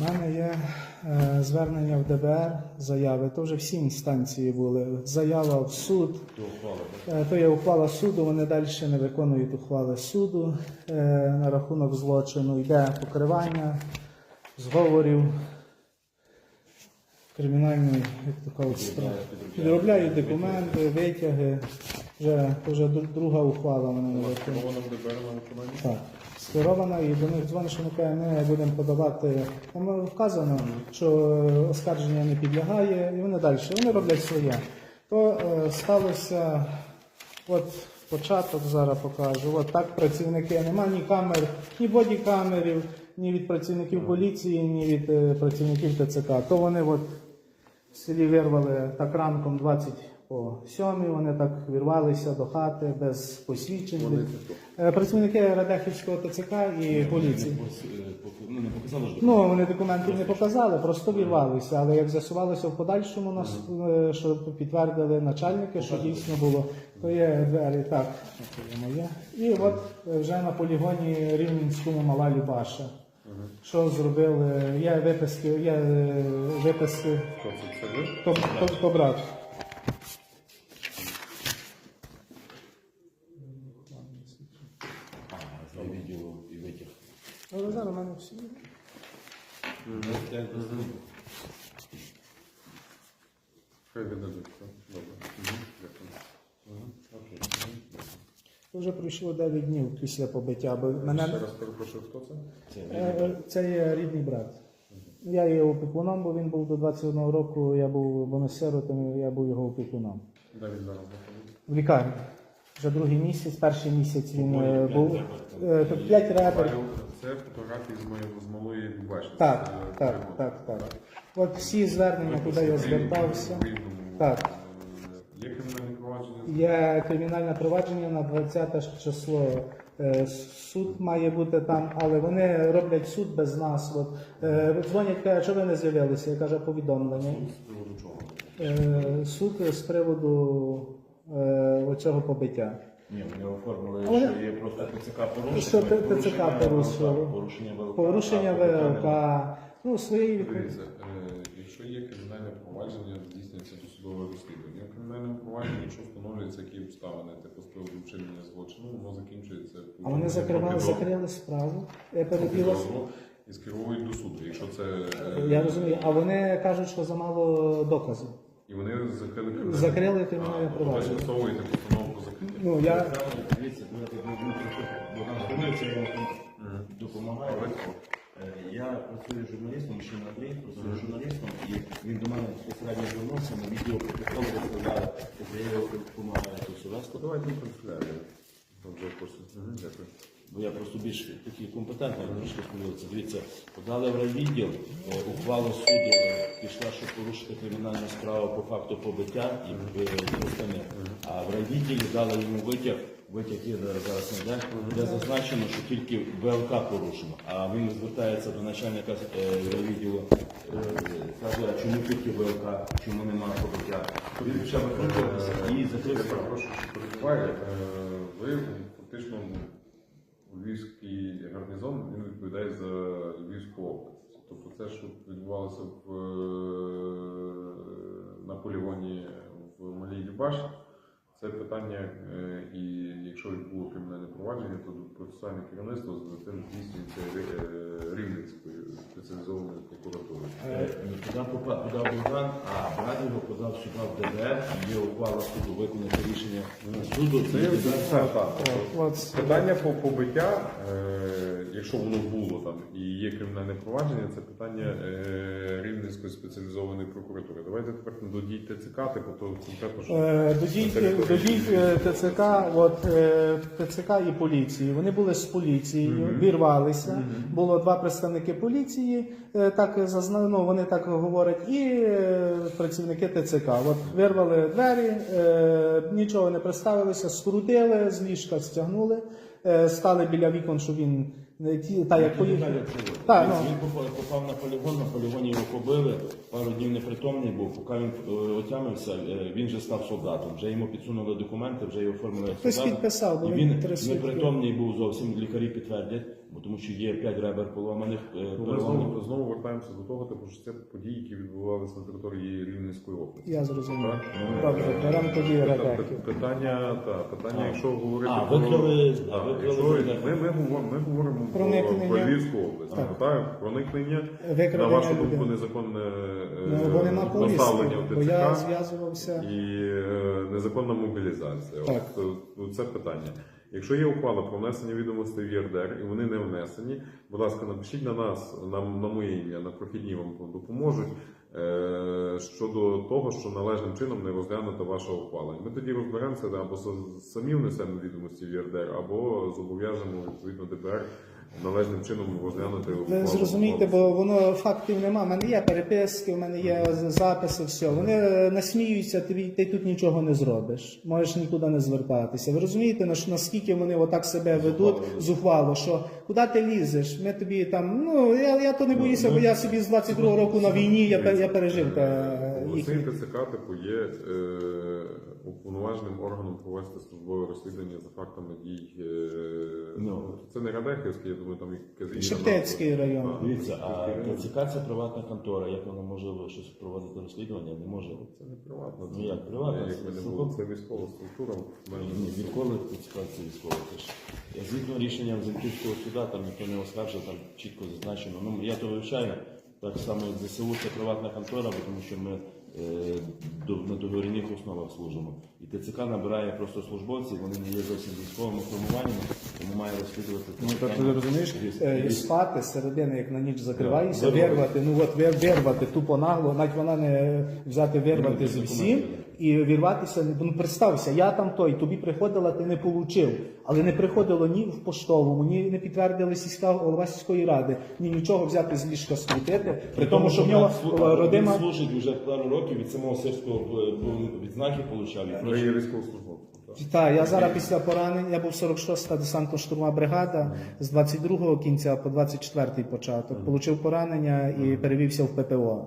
У мене є звернення в ДБР, заяви. То вже всі інстанції були. Заява в суд. То є ухвала суду, вони далі не виконують ухвали суду. На рахунок злочину йде покривання зговорів кримінальної, як то кажуть, справи. Підробляють документи, витяги. Вже друга ухвала вона не виконує. Так. Скерована, і до них дзвонить, що ми будемо подавати. Там вказано, що оскарження не підлягає, і вони далі. Вони роблять своє. То сталося, от початок зараз покажу. От так працівники, нема ні камер, ні бодікамерів, ні від працівників поліції, ні від працівників ТЦК. То вони от в селі вирвали так ранком 20 по 7, вони так вірвалися до хати без посвідчень. Працівники Радехівського ТЦК і поліції. Ну, вони документів не показали, просто вірвалися. Але як з'ясувалося в подальшому, нас, що підтвердили начальники, що дійсно було, то є двері, так, це моє. І от вже на полігоні Рівненському Мала Любаша. Що зробили, є виписки, то брат. Але зараз у мене всі. Вже пройшло 9 днів після побиття. Мене... Ще раз перепрошую, хто це? Це є рідний брат. Я є опікуном, бо він був до 21 року, я був сиротом, я був його опікуном. Де він зараз знаходиться? В лікарні. Вже другий місяць, перший місяць він був. 5 ребер. Це фотографії з Малої Любаші. Так. От всі звернення, куди я звертався. Так. Є кримінальне провадження? Є кримінальне провадження на 20 число. Суд має бути там, але вони роблять суд без нас. От, дзвонять, кажуть, що ви не з'явилися, я кажу, повідомлення. Суд з приводу чого? Суд з приводу оцього побиття. Ні, вони оформили, що є просто ТЦК порушення. Що ТЦК порушило. Порушення ВЛК. Ну, свої... Дивіться, якщо є кримінальне провадження, здійснюється досудове розслідування. В кримінальному провадженні, якщо встановлюються які обставини, типу з приводу вчинення злочину, воно закінчується... А вони закрили справу, перебілося. І скеровують до суду, якщо це... Я розумію, а вони кажуть, що замало доказів. І вони закрили кримінальне провадження. Ви скасовуєте постанову про закриття. Ну, я... Дивіться, допомагає. Я працюю журналістом, ще Андрій працює журналістом, і він до мене безпосередньо звернувся, на відео протоколи виставляє, я його допомагаю тут сюди. Давайте ми консуляри. Дякую. Бо я просто більш такий компетентний, трошки сподіваюся. Дивіться, подали в райвідділ, ухвалу суду пішла, щоб порушити кримінальну справу по факту побиття і використання. А в райвідділі дали йому витяг є зараз не йде, де зазначено, що тільки ВЛК порушено. А він звертається до начальника райвідділу, каже, а чому тільки ВЛК, чому немає побиття. Він почав виконуватися і закрився. Прошу, що перебуває. Ви фактично Львівський гарнізон, він відповідає за Львівську область. Тобто це, що відбувалося на полігоні в Малій Любаші, це питання, і якщо було кримінальне провадження, то процесуальне керівництво з тим здійснюється Рівненською спеціалізованою прокуратурою. Подав Богдан, а брат його подав сюди в ДБР, є ухвала суду виконати рішення суду. Питання по побиття, якщо воно було там і є кримінальне провадження, це питання Рівненської спеціалізованої прокуратури. Давайте тепер до дій ТЦК, типу то конкретно що... До дій ТЦК, ТЦК і поліції. Вони були з поліцією, вірвалися. Було 2 представники поліції, вони так говорять, і працівники ТЦК. От вирвали двері, нічого не представилися, скрутили, з ліжка стягнули, стали біля вікон, що він... Він попав на полігоні його побили, пару днів непритомний був, поки він отямився, він вже став солдатом, вже йому підсунули документи, вже його оформили солдатом. Хтось підписав, бо він непритомний був зовсім, лікарі підтвердять, бо тому що є 5 ребер поломаних. Ми знову вертаємося до того, типу, що це події, які відбувалися на території Рівненської області. Я зрозумів. Так? Добре, беремо тоді ребеків. Питання, якщо говорити викрили ми говоримо Проникнення. про Львівську область. Так. Так, проникнення, на Викрадення вашу думку, людини. незаконне Бо нема повістки, доставлення в бо я ТЦК зв'язувався. і незаконна мобілізація. Так. От це питання. Якщо є ухвала про внесення відомостей в ЄРДР і вони не внесені, будь ласка, напишіть на нас, на моє ім'я, на прохідні вам допоможуть щодо того, що належним чином не розглянута ваша ухвала. Ми тоді розберемося, або самі внесемо відомості в ЄРДР, або зобов'яжемо відповідно ДБР належним чином розглянути Ви ухвалу. зрозумієте, бо воно фактів нема. У мене є переписки, у мене є записи, все. Вони насміються, ти тут нічого не зробиш. Можеш нікуди не звертатися. Ви розумієте, наскільки вони отак себе ведуть зухвало, що куди ти лізеш? Ми тобі там, я то не боюся, бо я собі з 22-го року на війні, я пережив Обласний їх. ТЦК типу є уповноваженим органом провести службове розслідування за фактами дій. Це не Радехівський, я думаю, там і Шептицький район. Дивіться, а ТЦК це приватна контора. Як вона може щось проводити розслідування? Не може. Це не приватно. Ну як, приватно? Якби не було, це військова структура. Ні, відколи ТЦК це військова теж. Згідно рішенням Зенківського суду, там ніхто не оскаржив, там чітко зазначено. Я то вивчаю, так само як ЗСУ це приватна контора, бо тому що ми на договірних основах служимо. І ТЦК набирає просто службовців, вони не є зовсім військовими формуваннями, тому має розслідувати це Так питання. ти розумієш, і спати середини, як на ніч закриваєшся, Вирвати. вирвати тупо нагло, навіть вона не взяти вирвати з всім і вірватися. Представся, я там той, тобі приходила, ти не получив, але не приходило ні в поштовому, ні не підтвердили голова сільської ради, ні нічого взяти з ліжка скрутити, при тому, що в нього родима... Він служить вже пару років, від самого сирського відзнаки получав. Ви є військовослужбовцем. Так, я зараз після поранення, я був 46-та десантно-штурмова бригада, з 22-го кінця по 24-й початок. Получив поранення і перевівся в ППО,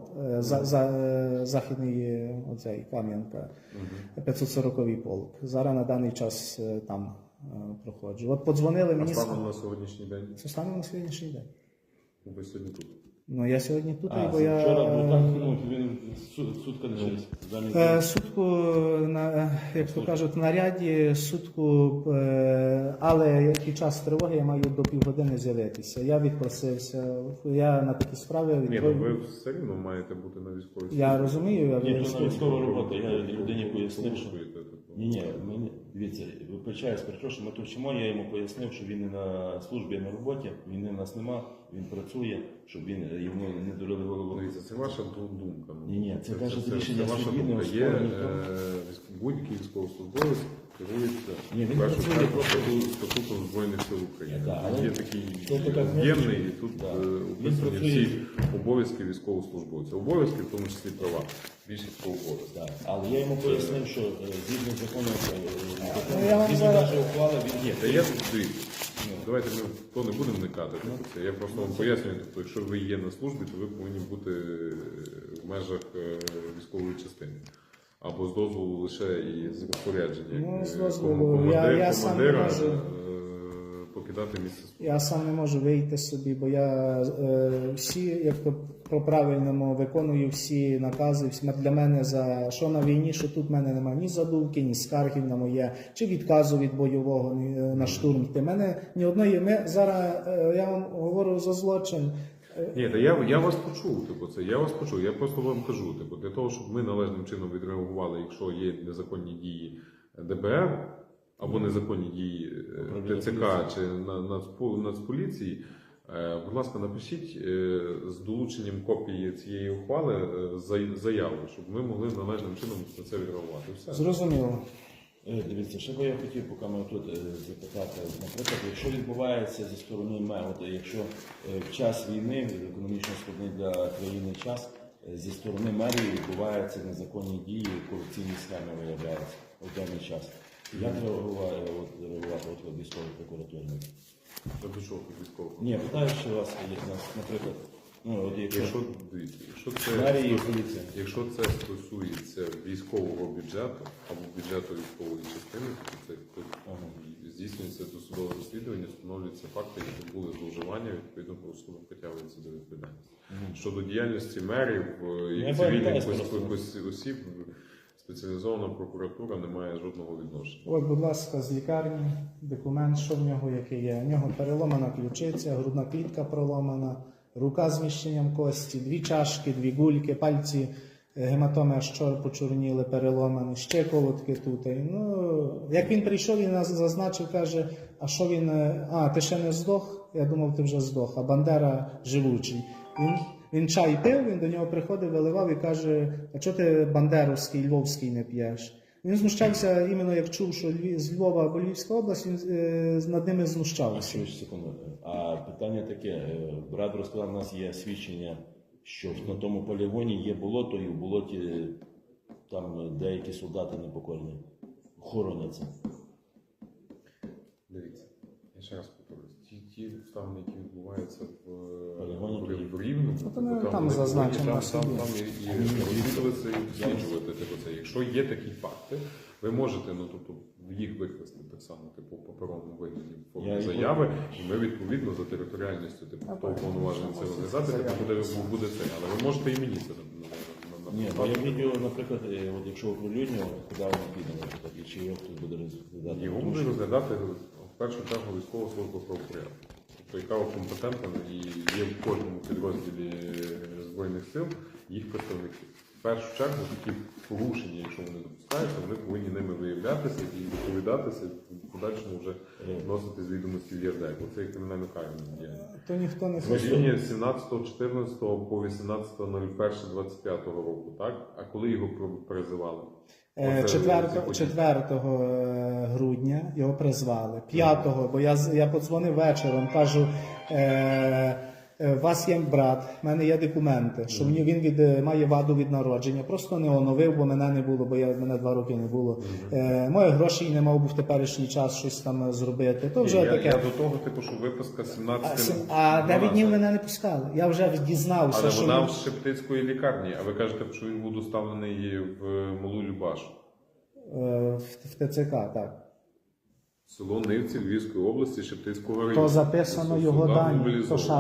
Західний оцей, Кам'янка, 540-й полк. Зараз на даний час там проходжу. От подзвонили А мені... станом на сьогоднішній день? Це станом на сьогоднішній день. Ви сьогодні тут. Ну, я сьогодні тут, бо Вчора був так, я... він сутка лишився. Сутку, як то кажуть, в наряді, сутку, але під час тривоги я маю до півгодини з'явитися. Я відпросився, я на такі справи Ні, ви все рівно маєте бути на військовій службі. Я розумію, я Ні, то на військова робота. Я людині пояснив, що... Слухаєте, типу. Ні, дивіться, вибачаюсь, перепрошую, ми то вчимо, я йому пояснив, що він не на службі, а на роботі, війни в нас нема, він працює, щоб йому не дурили голову. Дивіться, це ваша думка. Ні, це каже рішення ваша судді, не думка. Є оспорено. будь-який військовослужбовець керується Ні, він першу працює чергу просто статутом Збройних сил України. Так, але Є такий це така об'ємний, і тут Так. описані Він працює. всі обов'язки військовослужбовця. Обов'язки, в тому числі права. Більшість по обов'язках. Так, але я йому пояснив, що згідно закону, я вам він зараз- навіть ухвала, він Та я дивіться. Давайте ми в то не будемо вникати. Я просто вам пояснюю, тобто, якщо ви є на службі, то ви повинні бути в межах військової частини. Або з дозволу лише і з розпорядження. Ну, з Як, дозволу. Я сам не командира можу. покидати місце служби. Я сам не можу вийти собі, бо я всі, як то по-правильному виконую всі накази. Для мене за що на війні, що тут в мене немає ні задумки, ні скаргів на моє, чи відказу від бойового на штурм йти. Мене ні одної. Ми зараз я вам говорю за злочин. Ні, та я вас почув, я вас почув. Я просто вам кажу, для того, щоб ми належним чином відреагували, якщо є незаконні дії ДБР або незаконні дії ТЦК чи Нацполіції, будь ласка, напишіть з долученням копії цієї ухвали заяву, щоб ми могли належним чином на це відреагувати. Все. Зрозуміло. Дивіться, що би я хотів, поки ми тут запитати, наприклад, якщо відбувається зі сторони якщо в час війни, економічно складний для країни час, зі сторони мерії відбуваються незаконні дії, корупційні схеми виявляються в даний час. Як реагувати от військової прокуратури? Я пішов від військового. Ні, питаю, що у вас є, наприклад, якщо це мерії і поліція. Якщо це стосується військового бюджету або бюджету військової частини, то це здійснюється досудове розслідування, встановлюються факти, які були зловживання, відповідно правосудом притягується до відповідальності. Щодо діяльності мерів і цивільних осіб, спеціалізована прокуратура не має жодного відношення. От, будь ласка, з лікарні, документ, що в нього, який є. В нього переломана ключиця, грудна клітка проломана, рука з зміщенням кості, 2 чашки, 2 гульки, пальці, гематоми аж почорніли, переломані, ще колодки тут. Ну, як він прийшов, він нас зазначив, каже, а що він, ти ще не здох? Я думав, ти вже здох, а Бандера живучий. Він чай пив, він до нього приходив, виливав і каже, а чого ти бандеровський, львовський не п'єш? Він знущався, іменно як чув, що з Львова або Львівська область, він над ними знущався. Секунду. А питання таке, брат розказав, у нас є свідчення, що на тому полігоні є болото, і в болоті там деякі солдати непокорні хороняться. Дивіться, я ще раз повторюсь, ті обставини, які відбуваються Полігоні, в Рівному, то не там зазначено, там і розвідуватися, і досліджувати це. Якщо є такі факти, ви можете, їх викласти так само, в паперовому вигляді, в формі заяви, і ми відповідно за територіальністю, того повноваження це організації, буде це. Але ви можете і мені це Ні, я відео, наприклад, от якщо оприлюднював, куди воно піде, наприклад, і чи його хтось буде розглядати? Його буде розглядати в першу чергу військова служба правопорядку. Тобто, яка компетентна і є в кожному підрозділі Збройних сил їх представники. В першу чергу такі порушення, якщо вони допускаються, вони повинні ними виявлятися і відповідатися, в подальшому вже вносити з відомості в ЄРД. Бо це є кримінально карне діяння. То ніхто не Рішення 17.14 по 18.01.25 року, так? А коли його призивали? 4 грудня його призвали. 5-го, бо я подзвонив вечором, кажу, у вас є брат, в мене є документи, що він має ваду від народження. Просто не оновив, бо мене не було, бо мене 2 роки не було. Моїх грошей не мав би в теперішній час щось там зробити. То вже таке. Я до того, що виписка 17... А 9 днів мене не пускали. Я вже дізнався, але що... вона в Шептицької лікарні, а ви кажете, що він був доставлений в Малу Любашу. В ТЦК, так. Село Нивці Львівської області, Шептицького району. То записано його дані,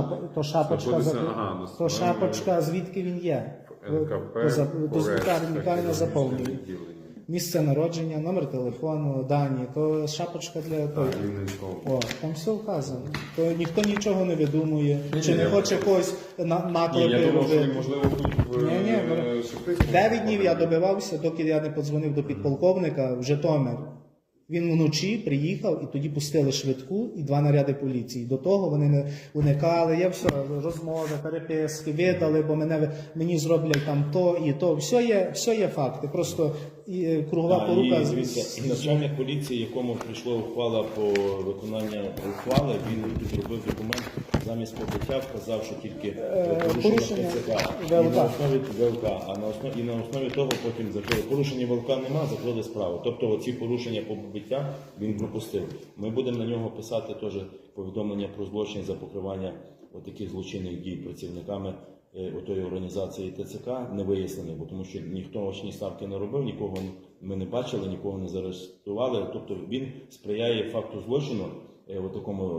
то шапочка, звідки він є. НКП, Лікарня заповнює. Місце народження, номер телефону, дані, то шапочка для того. Там все вказано. То ніхто нічого не видумує, чи не хоче когось наклепи робити. Можливо, тут в Шептицькому. 9 днів я добивався, доки я не подзвонив до підполковника в Житомир. Він вночі приїхав і тоді пустили швидку і 2 наряди поліції. До того вони не уникали, я все, розмови, переписки, видали, бо мені зроблять там то і то. Все є факти, просто кругова порука. І начальник поліції, якому прийшла ухвала по виконанню ухвали, він підробив документ замість побиття, вказав, що тільки порушення ТЦК і на основі ВЛК, і на основі того потім закрили. Порушення ВЛК нема, закрили справу. Тобто оці порушення по побиття він пропустив. Ми будемо на нього писати теж повідомлення про злочин за покривання таких злочинних дій працівниками отої організації ТЦК не вияснені, бо тому що ніхто очні ставки не робив, нікого ми не бачили, нікого не заарештували. Тобто він сприяє факту злочину, такому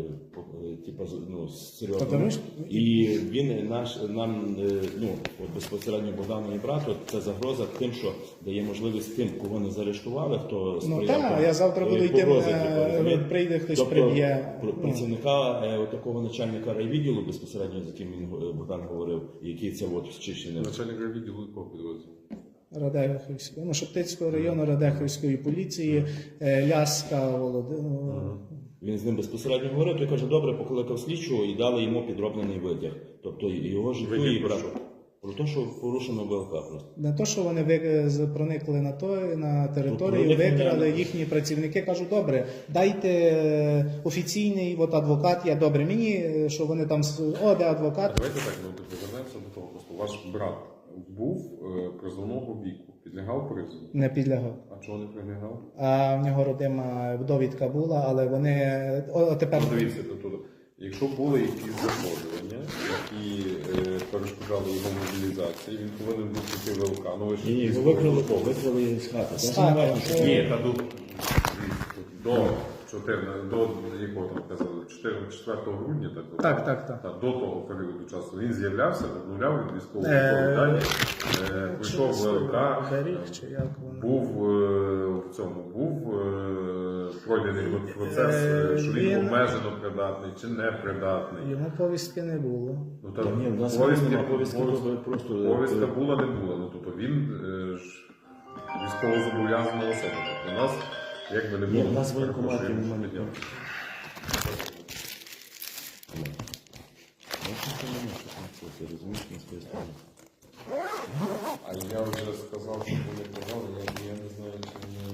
серйозному. І він нам безпосередньо Богдану і брату, це загроза тим, що дає можливість тим, кого не заарештували, хто сприяв. Так, я завтра буду йти, прийде хтось приб'є. Працівника такого начальника райвідділу, безпосередньо, з яким він Богдан говорив, який це зчищений. Начальник райвідділу якого підрозділу? Радехівської, Шептицького району, Радехівської поліції, Ляска, Володимир. Він з ним безпосередньо говорив, той каже, добре, покликав слідчого і дали йому підроблений витяг. Тобто його життю і про те, що порушено ВЛК просто. Не те, що вони проникли на територію, викрали їхні працівники, кажуть, добре, дайте офіційний адвокат, я добре, мені, що вони там, де адвокат. Давайте так, повернемося до того, просто ваш брат був призовного віку, підлягав призову? Не підлягав. А чого не підлягав? А в нього родима довідка була, але вони тепер... Дивіться, якщо були якісь захворювання, які перешкоджали його мобілізації, він повинен був піти в ВЛК. Ні, викрили з хати. Ні, до до якого там казали, 4 грудня, Так. До того періоду часу він з'являвся, обновляв від військової дані, прийшов в ВЛК, був пройдений процес, що він обмежено придатний чи не придатний. Йому повістки не було. Ну, Та ні, в нас повістки просто... Повістка була, не була. Ну, тобто він військовозобов'язана особа. Тобто у нас якби не було. Ні, в нас воєнкоматів немає. Ти розумієш, на своїй стороні. А я вже сказав, що вони казали, я не знаю, чи вони...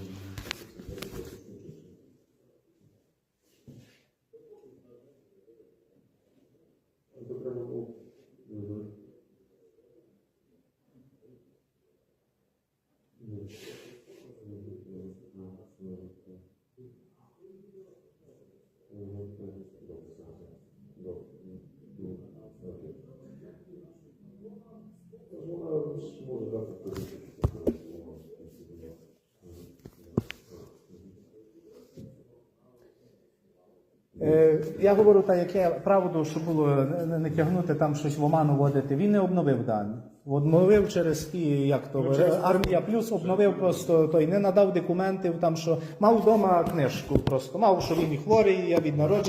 Я говорю так, яке правду, що було не тягнути там щось в оману вводити. Він не обновив дані. Обновив через ті, як то, Армія Плюс обновив просто, той не надав документів, там, що мав вдома книжку просто. Мав, що він і хворий, я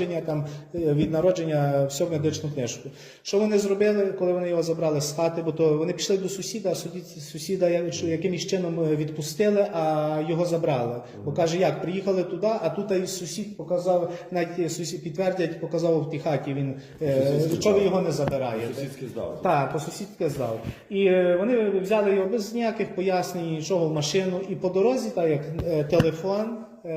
від народження всю медичну книжку. Що вони зробили, коли вони його забрали з хати, бо то вони пішли до сусіда, а сусіда якимось чином відпустили, а його забрали. Бо каже, як, приїхали туди, а тут і сусід показав, навіть сусід підтвердять, показав в тій хаті, він, що ви його не забираєте. Сусідськи здав. Так, по сусідки здав. І вони взяли його без ніяких пояснень, нічого в машину. І по дорозі, так як телефон,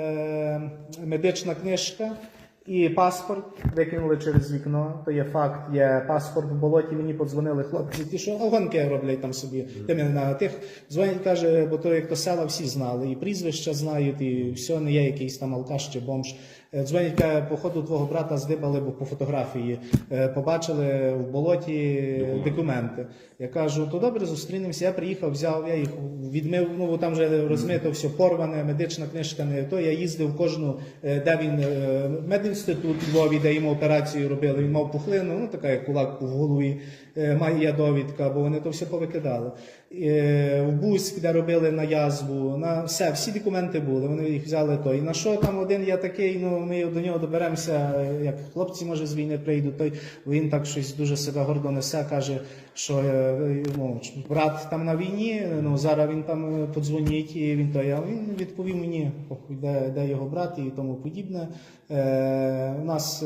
медична книжка і паспорт викинули через вікно. То є факт, є паспорт в болоті, мені подзвонили хлопці, ті, що гонки роблять там собі. На тих дзвонять, каже, бо то як то села всі знали, і прізвища знають, і все, не є якийсь там алкаш чи бомж. Дзвонять, каже, походу твого брата здибали, бо по фотографії побачили в болоті документи. Я кажу, то добре, зустрінемося. Я приїхав, взяв, я їх відмив, ну бо там вже розмито все порване, медична книжка не то. Я їздив кожну, де він, медінститут у Львові, де йому операцію робили, він мав пухлину, ну така як кулак в голові, має довідка, бо вони то все повикидали. В Буськ, де робили на язву, на все, всі документи були, вони їх взяли то. І на що там один я такий, ну ми до нього доберемося, як хлопці, може, з війни прийдуть, той він так щось дуже себе гордо несе, каже, що ну, брат там на війні, ну зараз він там подзвонить, і він він відповів мені, де його брат і тому подібне. У нас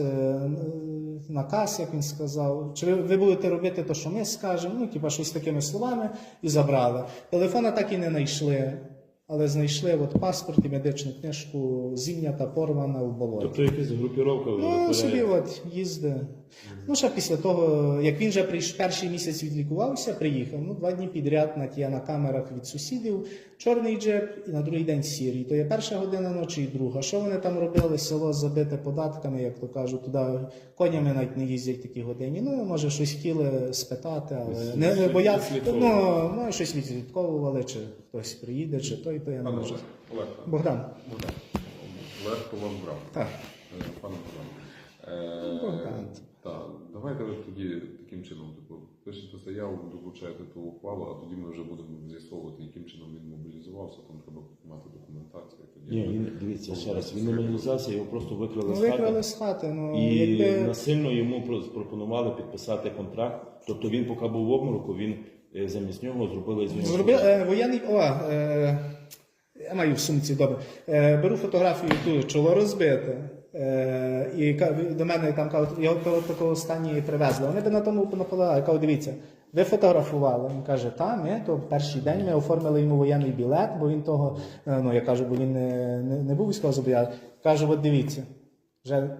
наказ, як він сказав, чи ви будете робити те, що ми скажемо, ну, типа щось такими словами, і забрали. Телефона так і не знайшли, але знайшли от паспорт і медичну книжку, зім'ята, порвана в болоті. Тобто якась групіровка? Ну, собі от їздить. Ну, ще після того, як він вже перший місяць відлікувався, приїхав, ну, 2 дні підряд на камерах від сусідів, чорний джип і на другий день сірий. То є перша година ночі і друга. Що вони там робили? Село забите податками, як то кажуть, туди конями навіть не їздять такі годині. Ну, може, щось хотіли спитати, але не бояться. Ну, щось відслідковували, чи хтось приїде, чи той, то я не можу. Богдан. Легко вам брав. Так. Пане Богдан. Так, давайте ви тоді таким чином, пишете заяву, долучаєте ту ухвалу, а тоді ми вже будемо з'ясовувати, яким чином він мобілізувався, там треба мати документацію. Ні, він, дивіться, ще раз, він не мобілізувався, його просто викрали з хати. Викрали з хати, І насильно йому пропонували підписати контракт. Тобто він, поки був в обмороку, він замість нього зробили з нього... Воєнний... Я маю в сумці, добре. Беру фотографію, тут чоло розбите. І до мене там кажуть, його до такого стані привезли. Вони би на тому наполягали. Я кажу, дивіться, ви фотографували. Він каже, та, ми, то перший день ми оформили йому воєнний білет, бо він того, ну, я кажу, бо він не був військовозобов'язаний. Кажу, от дивіться, вже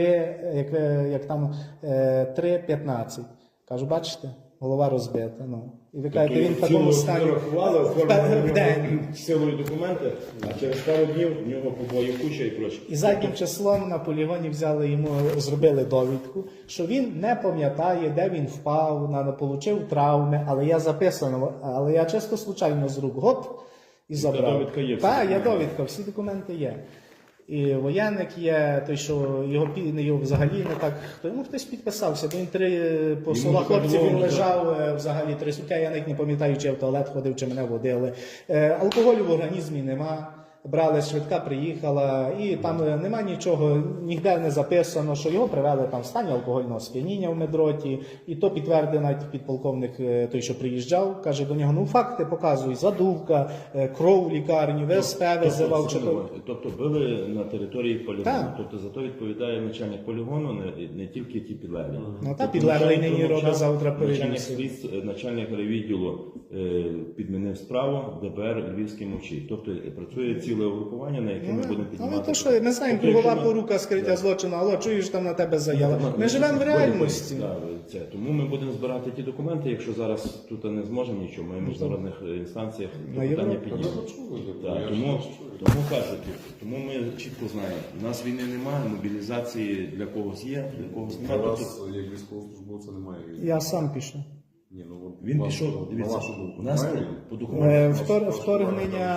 3:15. Кажу, бачите? Голова розбита. Ну. І ви кажете, він в такому стані в день. Силою документи, а через пару днів в нього побоїв куча і прочі. І заднім числом на полігоні взяли йому, зробили довідку, що він не пам'ятає, де він впав, отримав травми, але я записано, але я чисто случайно з рук гоп і забрав. Довідка є. Так, є довідка, всі документи є. і воєнник є, той, що його взагалі не так, хто йому хтось підписався, бо він по словах така хлопців він довго, лежав взагалі 3 сутки, я навіть не пам'ятаю, чи я в туалет ходив, чи мене водили. Алкоголю в організмі нема. Брали, швидка приїхала, і там нема нічого, ніде не записано, що його привели там в стані алкогольного сп'яніння в медроті, і то підтвердив навіть підполковник той, що приїжджав, каже до нього, ну факти показуй, задувка, кров в лікарні, ВСП визивав. Тобто били на території полігону. Так. Тобто за то відповідає начальник полігону, не тільки ті підлеглі. Ну та підлеглий нині робить завтра начальник перевірку. начальник райвідділу підмінив справу, ДБР Львівський мовчить. Тобто працює ціле угрупування, на яке ми будемо піднімати. Але то що, ми знаємо, Тобто, кругова якщо ми- порука скриття злочину, алло, чуєш, там на тебе заява. Ми живемо в реальності. Тому ми будемо збирати ті документи, якщо зараз тут не зможемо нічого, ми в міжнародних інстанціях На питання Європу. піднімемо. Так, тому кажуть, тому ми чітко знаємо, у нас війни немає, мобілізації для когось є, для когось Для немає. вас, як військовослужбовця, немає війни. Я сам пішов. Ні, ну, от Він вас, пішов, на дивіться, вашу думку, у нас немає війни? по документам. Вторгнення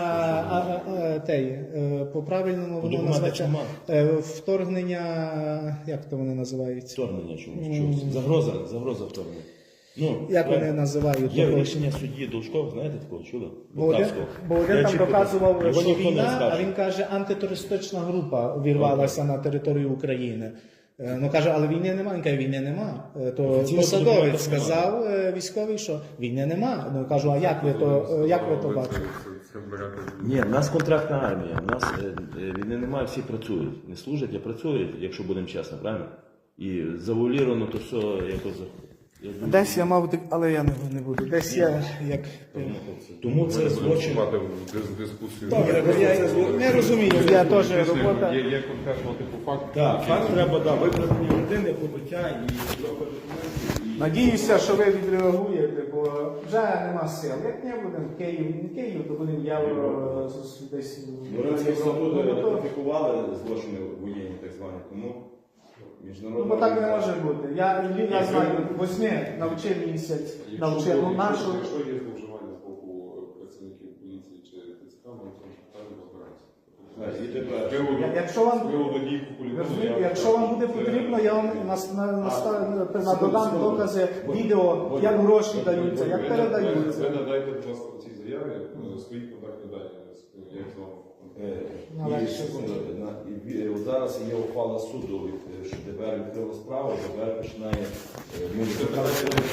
по правильному По воно документах називається нема. вторгнення, як то вони називаються? Вторгнення чомусь. Загроза вторгнення. Ну, Як вони називають? Є того? рішення судді Должков, знаєте такого чули? Бо один Я там чітко доказував, його що ніхто не війна, скаже. а він каже, антитерористична група вірвалася на територію України. Ну каже, але війни немає. Він каже, війни нема. То Офіційно посадовець документів сказав військовий, що війни нема. Ну кажу, а як ви то бачите? Це берете. Ні, в нас контрактна армія, в нас війни немає, всі працюють. Не служать, а працюють, якщо будемо чесно, правильно? І завуаліровано то все якось. Я думаю, Десь я мав, але я не буду. Десь я як. Тому це злочин. Мати дискусію. Добре, бо я не розумію, я теж робота. Є конкретно типу факт. Так, факт треба, викрадення людини, побиття і трохи документів. Надіюся, що ви відреагуєте, бо вже нема сил. Як не будемо в Київ, не Київ, то будемо євро десь. Європейський статут ратифікували злочини воєнні, так звані, тому Ну, міжнародна бо так не організація- може бути. Я знаю, 8 навчив місяць, навчив. Ну, нашу. Якщо є зловживання з боку працівників поліції чи ТЦК, ми в цьому питанні розбираємося. Так, і тепер. Якщо вам Розумієте, якщо вам буде потрібно, я вам надодам докази відео, як гроші даються, як передаються. Ви надайте, будь ласка, в цій заяві свої контактні дані, як з вами. І секунду, от зараз є ухвала суду, що ДБР відкрило справу, ДБР починає Це ДБР,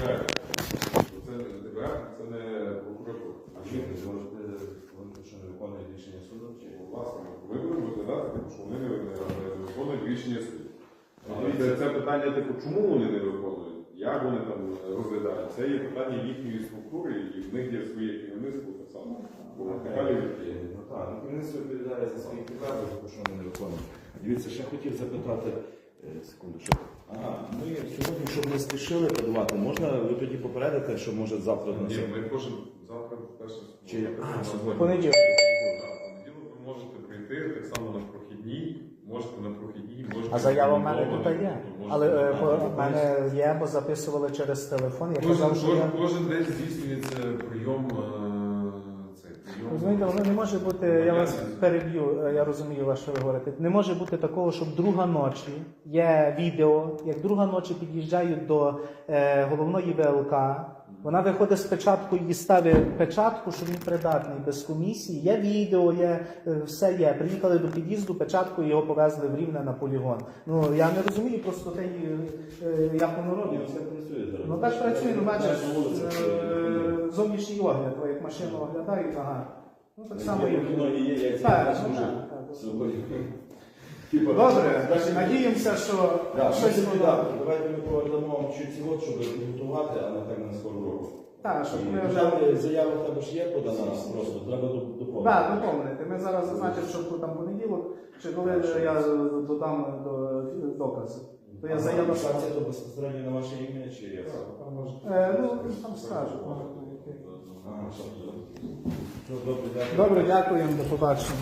це не прокуратура. А що ви можете говорити, що не виконує рішення суду? Чи Власне, ви будете викладати, тому що вони не виконують рішення суду. Це питання, типу, чому вони не виконують, як вони там розглядають, це є питання їхньої структури, і в них є своє керівництво так само. Ну так, керівництво відповідає за свої підкази, тому що вони не виконують. Дивіться, ще хотів запитати, секунду, що... Ага, ми сьогодні, щоб не спішили подавати, можна ви тоді попередите, що може завтра на Ні, ми кожен завтра перше Чи як? Сьогодні. Понеділок. понеділок ви можете прийти так само на прохідній, можете на прохідній, можете. А заява в мене відмовити, тут є. можете Але відмовити. в мене є, бо записували через телефон. Я казав, що я. Кожен день здійснюється прийом цей прийом. Розумієте, воно не може бути, я вас переб'ю, я розумію, вас, що ви говорите. Не може бути такого, щоб друга ночі є відео, як друга ночі під'їжджають до головної ВЛК, вона виходить з печаткою і ставить печатку, що він придатний без комісії. Є відео, є все є. Приїхали до під'їзду, печатку і його повезли в Рівне на полігон. Ну я не розумію просто те, як воно робиться. Це працює зараз. Ну так працює, ну бачиш, На вулиці працює. зовнішній огляд, як машину оглядають, ага. Ну так само і є, як Так, це ну, може. так. Сьогодні. Добре, надіємося, що Так, щось воно. давайте ми повернемо вам чуть цього, щоб підготувати, а не так на скору року. Так, щоб ми вже. Заява в тебе ж є подана, просто треба доповнити. Так, доповнити. Ми зараз зазначимо, що там понеділок, чи коли я додам до докази. То я заяву. Санкція то безпосередньо на ваше ім'я, чи як? Ну, там скажу. Ага, що? Добре, дякую. Добре, дякуємо, до побачення.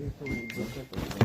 відповідь за це.